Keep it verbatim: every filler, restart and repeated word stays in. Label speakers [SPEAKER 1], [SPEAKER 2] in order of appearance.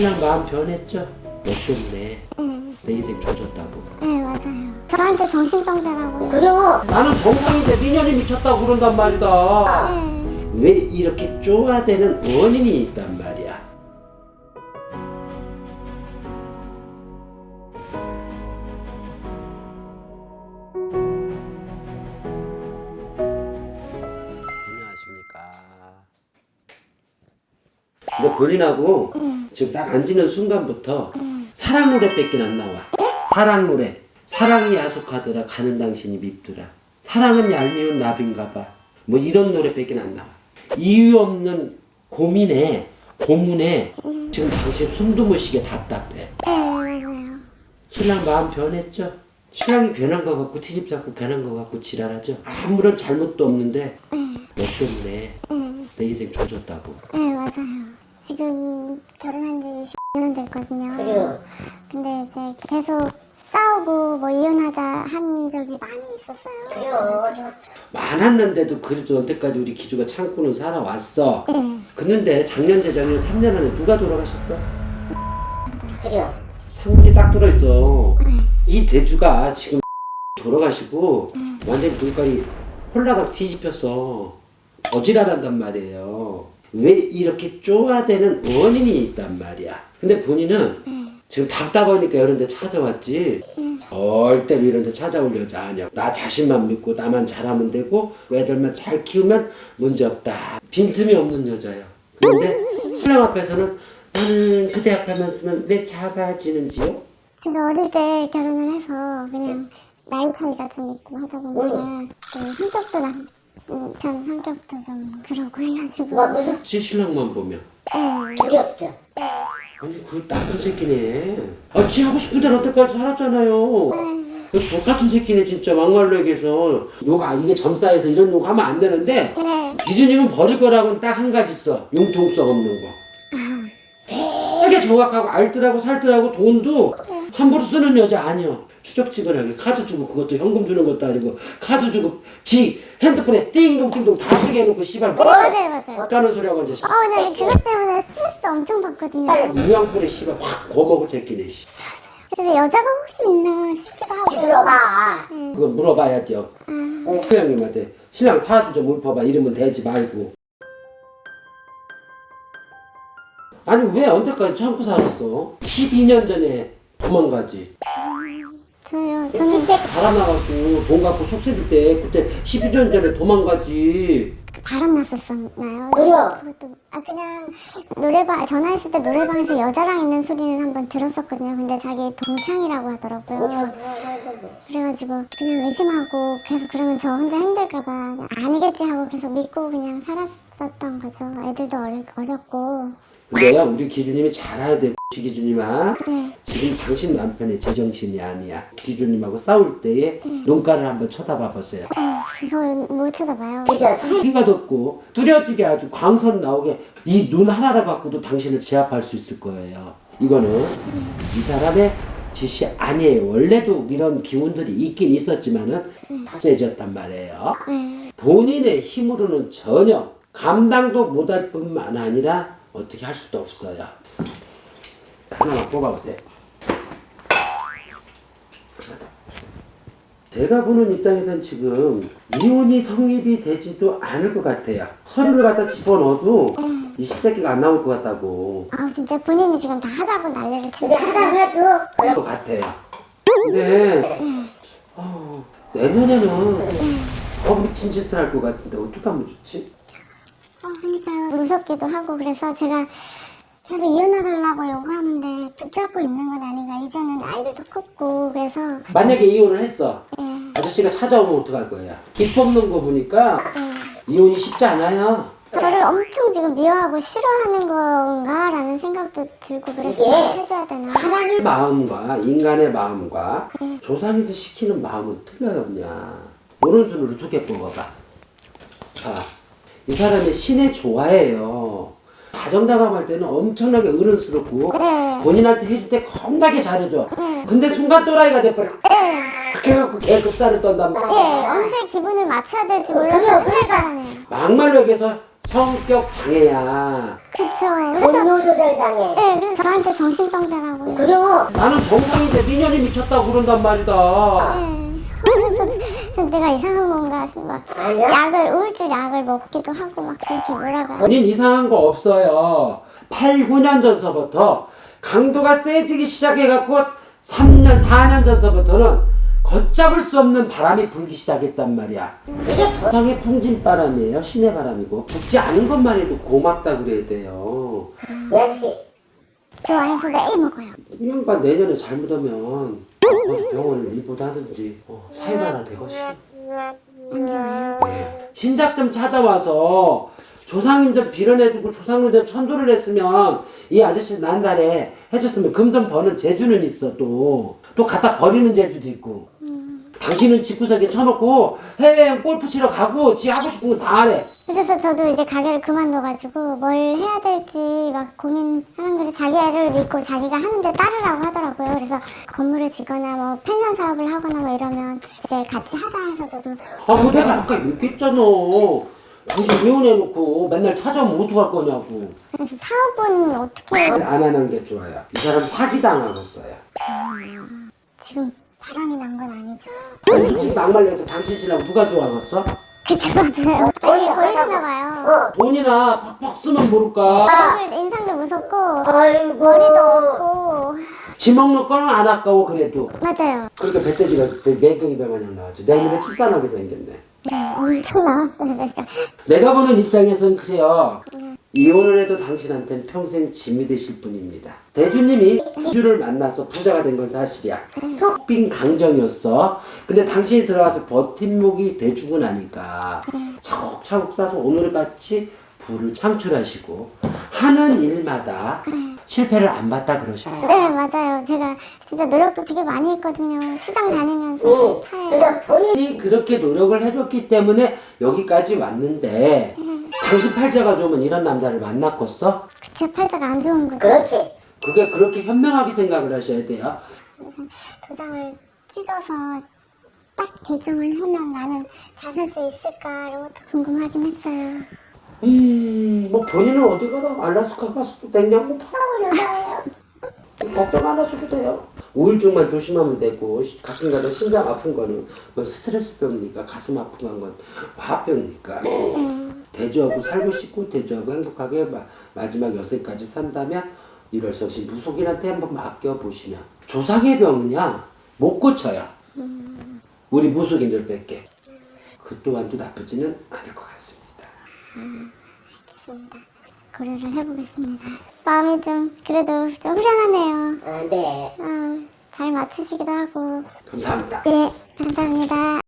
[SPEAKER 1] 신랑 마음 변했죠? 너 때문에
[SPEAKER 2] 응.
[SPEAKER 1] 내 인생 조졌다고.
[SPEAKER 2] 네, 맞아요. 저한테 정신병자라고요.
[SPEAKER 3] 그래요.
[SPEAKER 1] 나는 정상인데 네 년이 미쳤다고 그런단 말이다.
[SPEAKER 2] 네.
[SPEAKER 1] 왜 이렇게 쪼아대는 원인이 있단 말이야. 안녕하십니까. 근데 본인하고
[SPEAKER 2] 응.
[SPEAKER 1] 지금 딱 앉는 순간부터
[SPEAKER 2] 응.
[SPEAKER 1] 사랑 노래밖에 안 나와. 사랑 노래. 사랑이 야속하더라 가는 당신이 밉더라. 사랑은 얄미운 나비인가봐. 뭐 이런 노래밖에 안 나와. 이유 없는 고민에 고문에 지금 당신 숨도 못 쉬게 답답해.
[SPEAKER 2] 네, 맞아요.
[SPEAKER 1] 신랑 마음 변했죠? 신랑이 괜한 거 같고 티집 잡고 괜한 거 같고 지랄하죠? 아무런 잘못도 없는데
[SPEAKER 2] 네.
[SPEAKER 1] 너 때문에
[SPEAKER 2] 응.
[SPEAKER 1] 내 인생 조졌다고.
[SPEAKER 2] 네, 맞아요. 지금 결혼한 지 십 년 됐거든요.
[SPEAKER 3] 그래요.
[SPEAKER 2] 근데 이제 계속 싸우고 뭐 이혼하자 한 적이 많이 있었어요.
[SPEAKER 3] 그래요. 저
[SPEAKER 1] 많았는데도 그래도 언제까지 우리 기주가 참고는 살아왔어.
[SPEAKER 2] 네.
[SPEAKER 1] 그런데 작년 재작년 삼 년 안에 누가 돌아가셨어?
[SPEAKER 3] 그래요.
[SPEAKER 1] 상문이 딱 들어있어. 이 대주가 지금 돌아가시고 완전히 눈깔이 홀라닥 뒤집혔어. 어지랄한단 말이에요. 왜 이렇게 쪼아대는 원인이 있단 말이야. 근데 본인은 지금 답답하니까 이런 데 찾아왔지 절대로 이런 데 찾아올 여자 아니야. 나 자신만 믿고 나만 잘하면 되고 애들만 잘 키우면 문제없다. 빈틈이 없는 여자야. 그런데 신랑 앞에서는 나는 그대 앞에만 쓰면 왜 작아지는지요?
[SPEAKER 2] 제가 어릴 때 결혼을 해서 그냥 나이 차이가 좀 있고 하다 보니까 그 성격도 나, 음, 전 성격도 좀 그러고 해가지고
[SPEAKER 3] 뭐 무슨
[SPEAKER 1] 지 신랑만 보면
[SPEAKER 2] 네.
[SPEAKER 3] 두렵죠.
[SPEAKER 1] 아니 그 나쁜 새끼네. 아, 지 하고 싶은 대로 언제까지 살았잖아요. 그 족같은 새끼네 진짜 막말로 얘기해서 욕 아, 이게 점싸해서 이런 욕 하면 안 되는데
[SPEAKER 2] 네.
[SPEAKER 1] 기준이면 버릴 거라고는 딱 한 가지 있어. 융통성 없는 거. 되게 정확하고 알뜰하고 살뜰하고 돈도 함부로 쓰는 여자 아니야. 추적지근하게 카드 주고 그것도 현금 주는 것도 아니고 카드 주고 지 핸드폰에 띵동띵동 다 쓰게 해놓고 씨발 뭐
[SPEAKER 2] 맞아요, 맞아요.
[SPEAKER 1] 어쩌는 소리하고 이제
[SPEAKER 2] 어, 근데 그것 때문에 스트레스 엄청 받거든요.
[SPEAKER 1] 유양불에 씨발 확 거먹을 새끼네 씨.
[SPEAKER 2] 그래서 여자가 혹시 있나 싶기도 하고.
[SPEAKER 3] 들어봐.
[SPEAKER 1] 그거 물어봐야 돼요.
[SPEAKER 2] 아,
[SPEAKER 1] 신랑님한테 신랑 사주 좀 읊어봐. 이러면 되지 말고. 아니 왜 언제까지 참고 살았어? 십이 년 전에 도망가지.
[SPEAKER 2] 저요. 저는
[SPEAKER 1] 달아나갖고 돈 갖고 속쓰릴 때 그때 십이 년 전에 도망가지.
[SPEAKER 2] 바람 났었었나요?
[SPEAKER 3] 그래요.
[SPEAKER 2] 그것도 아 그냥 노래방 전화했을 때 노래방에서 여자랑 있는 소리는 한번 들었었거든요. 근데 자기 동창이라고 하더라고요. 그래가지고 그냥 의심하고 계속 그러면 저 혼자 힘들까봐 아니겠지 하고 계속 믿고 그냥 살았었던 거죠. 애들도 어려, 어렸고.
[SPEAKER 1] 내가 우리 기준님이 잘 알아야 돼. 기준님아.
[SPEAKER 2] 네.
[SPEAKER 1] 지금 당신 남편의 제정신이 아니야. 기준님하고 싸울 때에 눈가를 한번 쳐다봐 보세요.
[SPEAKER 2] 저 못 쳐다봐요.
[SPEAKER 3] 진짜 술
[SPEAKER 1] 피가 돋고 뚜렷하게 아주 광선 나오게 이 눈 하나를 갖고도 당신을 제압할 수 있을 거예요. 이거는 이 사람의 짓이 아니에요. 원래도 이런 기운들이 있긴 있었지만은 다 세졌단 말이에요.
[SPEAKER 2] 네.
[SPEAKER 1] 본인의 힘으로는 전혀 감당도 못할 뿐만 아니라 어떻게 할 수도 없어요. 하나만 뽑아보세요. 제가 보는 입장에선 지금 이혼이 성립이 되지도 않을 것 같아요. 서류를 갖다 집어넣어도 이 십새끼가 안 나올 것 같다고.
[SPEAKER 2] 아 진짜 본인이 지금 다 하자고 난리를 치고
[SPEAKER 3] 근데 하다가도
[SPEAKER 1] 그럴 것 같아요. 근데 아우, 내년에는 더 미친 짓을 할 것 같은데 어떻게 하면 좋지?
[SPEAKER 2] 어, 그러니까요. 무섭기도 하고 그래서 제가 계속 이혼해달라고 요구하는데 붙잡고 있는 건 아닌가. 이제는 아이들도 컸고 그래서
[SPEAKER 1] 만약에 이혼을 했어.
[SPEAKER 2] 예.
[SPEAKER 1] 아저씨가 찾아오면 어떡할 거야? 기 뽑는 거 보니까 이혼이 쉽지 않아요.
[SPEAKER 2] 저를 엄청 지금 미워하고 싫어하는 건가라는 생각도 들고 그래서
[SPEAKER 3] 이게
[SPEAKER 2] 해줘야 되나.
[SPEAKER 1] 사람의 마음과 인간의 마음과 조상에서 시키는 마음은 틀려요, 그냥. 오른손으로 두 개 뽑아봐. 자, 이 사람이 신의 좋아해요. 가정당함할 때는 엄청나게 어른스럽고
[SPEAKER 2] 네.
[SPEAKER 1] 본인한테 해줄 때 겁나게 잘해줘. 근데 순간 또라이가 돼버려. 그래갖고 개급살을 떤단 말이야.
[SPEAKER 2] 예, 언제 기분을 맞춰야 될지 몰라서
[SPEAKER 3] 그래요, 그래요.
[SPEAKER 2] 불안해요.
[SPEAKER 1] 막말로 얘기해서 성격 장애야.
[SPEAKER 2] 그쵸. 그래서
[SPEAKER 3] 분노 조절 장애.
[SPEAKER 2] 네, 그래서 저한테 정신병자라고.
[SPEAKER 3] 그리고
[SPEAKER 1] 나는 정상인데 니년이 미쳤다고 그런단 말이다.
[SPEAKER 2] 네. 그래서 저 내가 이상한 건가 싶어. 막
[SPEAKER 3] 아니야?
[SPEAKER 2] 약을 우울증 약을 먹기도 하고 막 그렇게 몰아가.
[SPEAKER 1] 본인 이상한 거 없어요. 팔, 구 년 전서부터 강도가 세지기 시작해갖고 삼 년, 사 년 전서부터는 걷잡을 수 없는 바람이 불기 시작했단 말이야.
[SPEAKER 3] 이게 저
[SPEAKER 1] 세상의 풍진 바람이에요. 신의 바람이고. 죽지 않은 것만 해도 고맙다 그래야 돼요.
[SPEAKER 3] 이 아저씨
[SPEAKER 2] 저 와이프 매일 먹어요.
[SPEAKER 1] 이 양반 내년에 잘못하면 어, 병원을 입원하든지 어, 사유하나 되겠지.
[SPEAKER 2] 안 좋아요.
[SPEAKER 1] 네. 진작 좀 찾아와서 조상님 좀 빌어내주고 조상님 좀 천도를 했으면 이 아저씨 난달에 해줬으면 금 좀 버는 재주는 있어. 또 또 갖다 버리는 재주도 있고. 당신은 집구석에 쳐놓고 해외여행 골프 치러 가고 지 하고 싶은 거 다 하래.
[SPEAKER 2] 그래서 저도 이제 가게를 그만둬가지고 뭘 해야 될지 막 고민하는 거를 자기 애를 믿고 자기가 하는데 따르라고 하더라고요. 그래서 건물을 지거나 뭐 펜션 사업을 하거나 뭐 이러면 이제 같이 하자 해서 저도
[SPEAKER 1] 아, 뭐 내가 아까 얘기했잖아. 당신 이혼해놓고 맨날 찾아오면 어떡할 거냐고.
[SPEAKER 2] 그래서 사업은 어떻게
[SPEAKER 1] 안 하는 게 좋아요. 이 사람 사기당하겠어요.
[SPEAKER 2] 지금 바람이 난 건 아니죠?
[SPEAKER 1] 아니, 솔직히 막말려서 당신 신랑 누가 좋아하겠어?
[SPEAKER 2] 그쵸 맞아요. 돈이 걸리시나 봐요.
[SPEAKER 3] 어.
[SPEAKER 1] 돈이나 팍팍 쓰면 모를까.
[SPEAKER 2] 얼굴 인상도 무섭고
[SPEAKER 3] 아이고
[SPEAKER 2] 머리도 없고
[SPEAKER 1] 지 먹는 거는 안 아까워 그래도.
[SPEAKER 2] 맞아요.
[SPEAKER 1] 그러니까 배돼지가 매경이 배마냥 나왔죠. 내일모레 출산하게 생겼네.
[SPEAKER 2] 네, 엄청 나왔어요. 그러니까
[SPEAKER 1] 내가 보는 입장에선 그래요. 이혼을 해도 당신한테는 평생 짐이 되실 분입니다. 대주님이 주를 만나서 부자가 된 건 사실이야. 속빈 강정이었어. 근데 당신이 들어가서 버팀목이 돼주고 나니까 차곡차곡 쌓아서 오늘같이 부를 창출하시고 하는 일마다 실패를 안 봤다 그러셔요.
[SPEAKER 2] 네 맞아요. 제가 진짜 노력도 되게 많이 했거든요. 시장 다니면서
[SPEAKER 3] 응.
[SPEAKER 2] 차에
[SPEAKER 3] 그래서 본인
[SPEAKER 1] 본인이 그렇게 노력을 해줬기 때문에 여기까지 왔는데 당신 팔자가 좋으면 이런 남자를 만났겠어?
[SPEAKER 2] 제 팔자가 안 좋은 거죠.
[SPEAKER 3] 그렇지.
[SPEAKER 1] 그게 그렇게 현명하게 생각을 하셔야 돼요.
[SPEAKER 2] 도장을 찍어서 딱 결정을 하면 나는 잘 살 수 있을까 이런 것도 궁금하긴 했어요.
[SPEAKER 1] 음, 뭐 본인은 어디 가나 알라스카 가서 또 냉장고 팔아버려요. 걱정 안 하셔도 돼요. 우울증만 조심하면 되고 가끔가다 심장 아픈 거는 그건 스트레스병이니까 가슴 아픈 건 화병이니까 대주하고 살고 싶고 대주하고 행복하게 마, 마지막 여세까지 산다면 일월성신 무속인한테 한번 맡겨보시면 조상의 병은요 못 고쳐요. 우리 무속인들 뺄게. 그 또한도 나쁘지는 않을 것 같습니다.
[SPEAKER 2] 알겠습니다. 고려를 해보겠습니다. 마음이 좀 그래도 좀 후련하네요.
[SPEAKER 3] 아, 네.
[SPEAKER 2] 아, 잘 맞추시기도 하고.
[SPEAKER 1] 감사합니다.
[SPEAKER 2] 네, 감사합니다.